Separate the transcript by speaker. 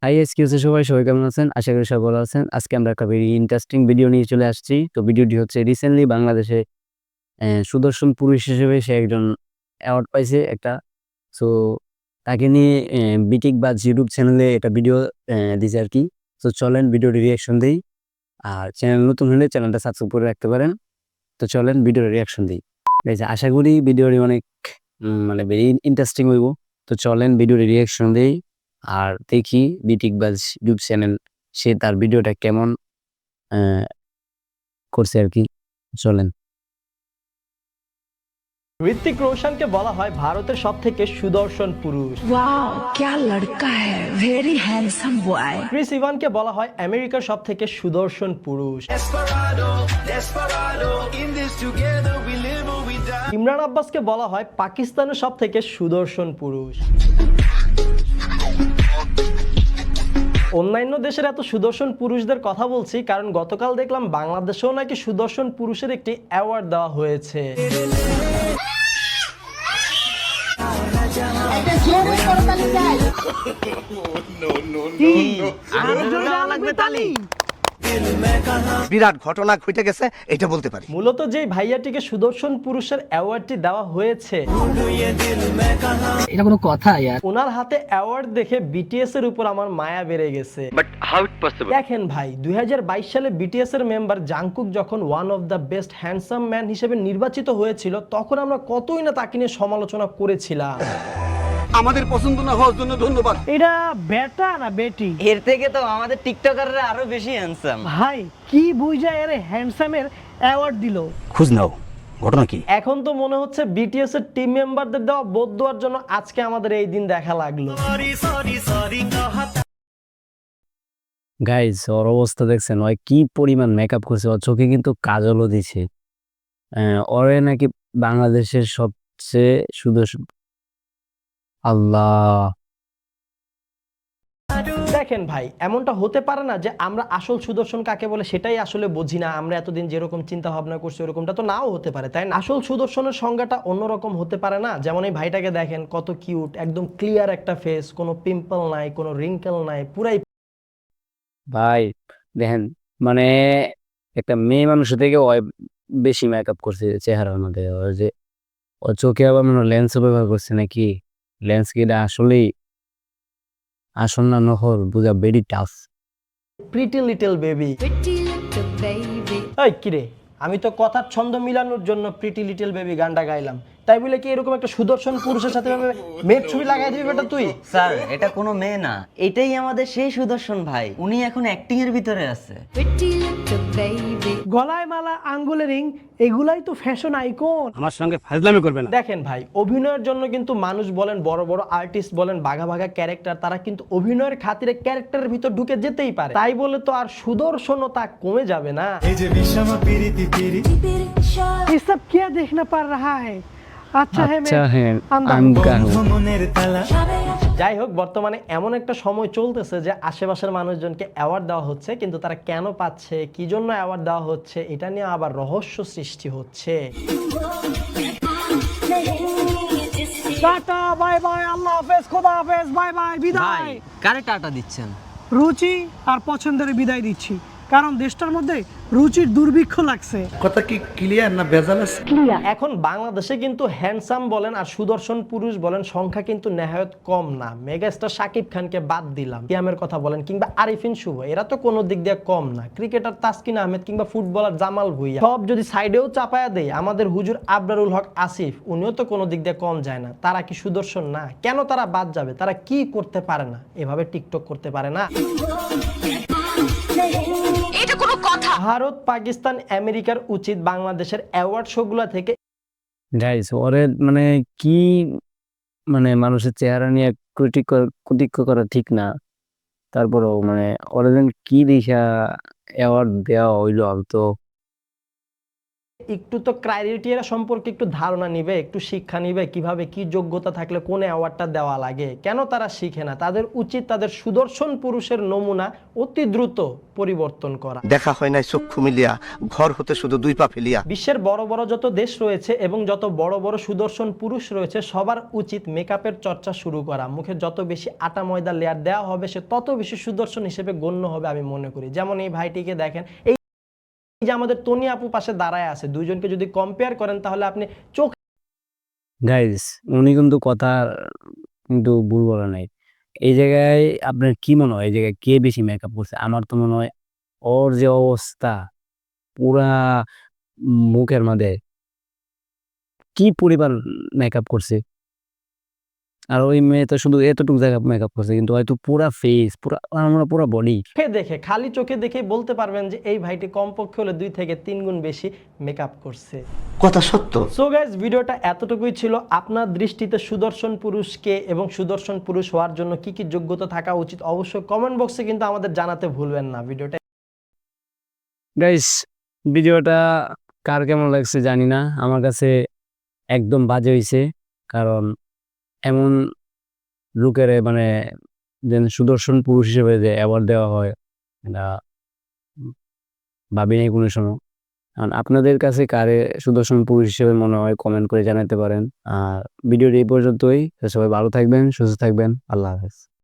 Speaker 1: High excuse সবাই কেমন আছেন? আশা করি সবাই ভালো আছেন। আজকে আমরা একটা ভেরি ইন্টারেস্টিং ভিডিও নিয়ে চলে আসছি। তো ভিডিওটি হচ্ছে রিসেন্টলি বাংলাদেশে সুদর্শন পুরুষ হিসেবে সে একজন অ্যাওয়ার্ড পাইছে একটা। সো তাকে নিয়ে বিটিক বাজ ইউটিউব চ্যানেলে একটা ভিডিও দিছে আরকি। তো চলেন ভিডিওটি রিঅ্যাকশন দেই। আর চ্যানেল নতুন হলে চ্যানেলটা সাবস্ক্রাইব করে রাখতে পারেন। তো চলেন ভিডিওর রিঅ্যাকশন দেই। গাইস আশা করি ভিডিওটি অনেক মানে ভেরি ইন্টারেস্টিং হইব। তো চলেন ভিডিওর রিঅ্যাকশন দেই। আর দেখি বিটিক বাজ ইউটিউব চ্যানেল সে তার ভিডিওটা কেমন আ করছে আরকি। চলেন।
Speaker 2: ঋত্বিক রোশনকে বলা হয় ভারতের সবথেকে সুদর্শন পুরুষ।
Speaker 3: वाह क्या लड़का है वेरी हैंडसम बॉय।
Speaker 2: ক্রিস ইভানকে বলা হয় আমেরিকার সবথেকে সুদর্শন পুরুষ। ইমরান আব্বাসকে বলা হয় পাকিস্তানের সবথেকে সুদর্শন পুরুষ। অন্যান্য দেশের এত সুদর্শন পুরুষদের কথা বলছি কারণ গতকাল দেখলাম বাংলাদেশেও নাকি সুদর্শন পুরুষের একটি অ্যাওয়ার্ড দেওয়া হয়েছে।
Speaker 4: বিরাট ঘটনা ঘটে গেছে এটা বলতে পারি।
Speaker 2: মূলত যে ভাইয়াটিকে সুদর্শন পুরুষের অ্যাওয়ার্ডটি দেওয়া হয়েছে
Speaker 5: এটা কোনো কথা ইয়ার?
Speaker 2: ওনার হাতে অ্যাওয়ার্ড দেখে বিটিএস এর উপর আমার মায়া বেড়ে গেছে। দেখেন ভাই 2022 সালে বিটিএস এর মেম্বার জাংকুক যখন one of the best handsome man হিসেবে নির্বাচিত হয়েছিল তখন আমরা কতই না তাকে নিয়ে সমালোচনা করেছিলাম।
Speaker 4: আমাদের পছন্দ না হওয়ার জন্য ধন্যবাদ।
Speaker 6: এটা বেটা না বেটি?
Speaker 7: এর থেকে তো আমাদের টিকটকাররা আরো বেশি হ্যান্ডসাম।
Speaker 6: ভাই কি বুঝা এর হ্যান্ডসামের অ্যাওয়ার্ড দিল?
Speaker 4: খোঁজ নাও ঘটনা কি?
Speaker 2: এখন তো মনে হচ্ছে বিটিএস এর টিম মেম্বারদের দেওয়া বোধ দেওয়ার জন্য আজকে আমাদের এই দিন দেখা লাগলো।
Speaker 1: গাইস ওর অবস্থা দেখছেন? ও কি পরিমাণ মেকআপ করছে। ওর চোখে কিন্তু কাজলও দিছে। ওরে নাকি বাংলাদেশের সবচেয়ে সুদর্শন। আল্লাহ!
Speaker 2: দেখেন ভাই এমনটা হতে পারে না যে আমরা আসল সুদর্শন কাকে বলে সেটাই আসলে বুঝি না। আমরা এতদিন যেরকম চিন্তা ভাবনা করছি ওরকমটা তো নাও হতে পারে, তাই না? আসল সুদর্শনের সংজ্ঞাটা অন্যরকম হতে পারে না? যেমন এই ভাইটাকে দেখেন কত কিউট, একদম ক্লিয়ার একটা ফেস, কোনো পিম্পল নাই, কোনো রিঙ্কেল নাই, পুরাই
Speaker 1: ভাই দেখেন মানে একটা মেয়ে মানুষের থেকে ও বেশি মেকআপ করছে চেহারার মধ্যে। ওর যে ওর চোখে আবার মনে হয় লেন্সও ব্যবহার করছে নাকি? লেন্স কি এটা আসলেই আসল না নকল বোঝা very tough.
Speaker 2: Pretty little baby. এই কিরে, আমি তো কথার ছন্দ মিলানোর জন্য প্রিটি লিটল বেবি গানটা গাইলাম, তাই বলে কি এরকম একটা সুদর্শন পুরুষের সাথে মেয়ের ছবি লাগাই দিবি বেটা তুই?
Speaker 7: স্যার এটা কোনো মেয়ে না, এটাই আমাদের সেই সুদর্শন ভাই। উনি এখন অ্যাক্টিং এর ভিতরে আছে।
Speaker 6: গলায় মালা, আঙ্গুলে রিং, এগুলাই তো ফ্যাশন আইকন।
Speaker 4: আমার সঙ্গে ফাজলামি করবে না।
Speaker 2: দেখেন ভাই অভিনয়ের জন্য কিন্তু মানুষ বলেন, বড় বড় আর্টিস্ট বলেন, বাঘা বাঘা ক্যারেক্টার, তারা কিন্তু অভিনয়ের খাতিরে ক্যারেক্টারের ভিতর ঢুকে যেতেই পারে, তাই বলে তো আর সুদর্শনতা কমে যাবে না।
Speaker 6: ये सब क्या देखना पड़ रहा है? अच्छा है
Speaker 1: আচ্ছা হ্যাঁ
Speaker 6: अंधा
Speaker 1: আঙ্কা
Speaker 2: যাই হোক বর্তমানে এমন একটা সময় চলতেছে যে আশেপাশের মানুষজনকে অ্যাওয়ার্ড দেওয়া হচ্ছে, কিন্তু তারা কেন পাচ্ছে, কি জন্য অ্যাওয়ার্ড দেওয়া হচ্ছে, এটা নিয়ে আবার রহস্য সৃষ্টি হচ্ছে।
Speaker 6: टाटा बाय बाय আল্লাহ হাফেজ, খোদা হাফেজ, বাই বাই,
Speaker 7: ভাই
Speaker 6: বিদায়।
Speaker 7: কারে টাটা দিচ্ছেন?
Speaker 6: রুচি আর পছন্দের বিদায় দিচ্ছি, কারণ দেশটার মধ্যে রুচির দুর্ভিক্ষ লাগছে।
Speaker 4: কথা কি ক্লিয়ার না ভেজাল আছে?
Speaker 2: এখন বাংলাদেশে কিন্তু হ্যান্ডসাম বলেন আর সুদর্শন পুরুষ বলেন সংখ্যা কিন্তু নেহায়ত কম না। মেগাস্টার শাকিব খানকে বাদ দিলাম, কিয়ামের কথা বলেন কিংবা আরিফিন শুভ, এরা তো কোনো দিক দিয়ে কম না। ক্রিকেটার তাসকিন আহমেদ কিংবা ফুটবলার জামাল ভুঁইয়া, সব যদি সাইডেও চাপায়া দেয়, আমাদের হুজুর আবরারুল হক আসিফ, উনিও তো কোনো দিক দিয়ে কম যায় না। তারা কি সুদর্শন না? কেন তারা বাদ যাবে? তারা কি করতে পারে না? এভাবে টিকটক করতে পারে না? ভারত, পাকিস্তান, আমেরিকার উচিত বাংলাদেশের অ্যাওয়ার্ড শোগুলা থেকে
Speaker 1: গাইস ওরে মানে কি মানে মানুষের চেহারা নিয়ে কটূক্তি করা ঠিক না। তারপরেও মানে ওরা যেন কি দেখা অ্যাওয়ার্ড দেওয়া হইলো আমি তো
Speaker 2: একটু তো ক্রাইটেরিয়া সম্পর্কে একটু ধারণা নিবে, একটু শিক্ষা নিবে, কিভাবে কি যোগ্যতা থাকলে কোন অ্যাওয়ার্ডটা দেওয়া লাগে। কেন তারা শিখে না? তাদের উচিত তাদের সুদর্শন পুরুষের নমুনা অতি দ্রুত পরিবর্তন করা।
Speaker 4: দেখা হয় নাই চক্ষু মিলিয়া, ঘর হতে শুধু 2 পা ফেলিয়া।
Speaker 2: বিশ্বের বড় বড় যত দেশ রয়েছে এবং যত বড় বড় সুদর্শন পুরুষ রয়েছে, সবার উচিত মেকআপের চর্চা শুরু করা। মুখে যত বেশি আটা ময়দা লেয়ার দেওয়া হবে, সে তত বেশি সুদর্শন হিসেবে গণ্য হবে আমি মনে করি। যেমন এই ভাইটিকে দেখেন, এই যে আমাদের তনি আপু পাশে দাঁড়ায় আছে, দুইজনকে যদি কম্পেয়ার করেন তাহলে আপনি চোখ
Speaker 1: গাইস উনি কিন্তু কথা কিন্তু ভুল বলে নাই। এই জায়গায় আপনার কি মনে হয় এই জায়গায় কে বেশি মেকআপ করছে? আমার তো মনে হয় ওর যে অবস্থা পুরা মুখের মধ্যে কি পরিমাণ মেকআপ করছে। আর ওই মেয়ে তো শুধু এতটুকু জায়গা মেকআপ করছে কিন্তু হয়তো পুরা ফেস পুরা বডি।
Speaker 2: দেখে খালি চোখে দেখে বলতে পারবেন যে এই ভাইটি কমপক্ষে হলে 2 থেকে 3 গুণ বেশি মেকআপ করছে।
Speaker 4: কথা সত্য।
Speaker 2: সো গাইস, ভিডিওটা এতটুকুই ছিল। আপনার দৃষ্টিতে সুদর্শন পুরুষকে এবং সুদর্শন পুরুষ হওয়ার জন্য কি কি যোগ্যতা থাকা উচিত অবশ্যই কমেন্ট বক্সে কিন্তু আমাদের জানাতে ভুলবেন না। ভিডিওটা
Speaker 1: গাইস ভিডিওটা কার কেমন লাগছে জানি না, আমার কাছে একদম বাজে হইছে। কারণ এমন লোকের মানে যেন সুদর্শন পুরুষ হিসেবে যে অ্যাওয়ার্ড দেওয়া হয় এটা ভাবি নাই কোনো সময়। কারণ আপনাদের কাছে কারে সুদর্শন পুরুষ হিসেবে মনে হয় কমেন্ট করে জানাতে পারেন। আর ভিডিওটি এই পর্যন্তই। তো সবাই ভালো থাকবেন, সুস্থ থাকবেন। আল্লাহ হাফেজ।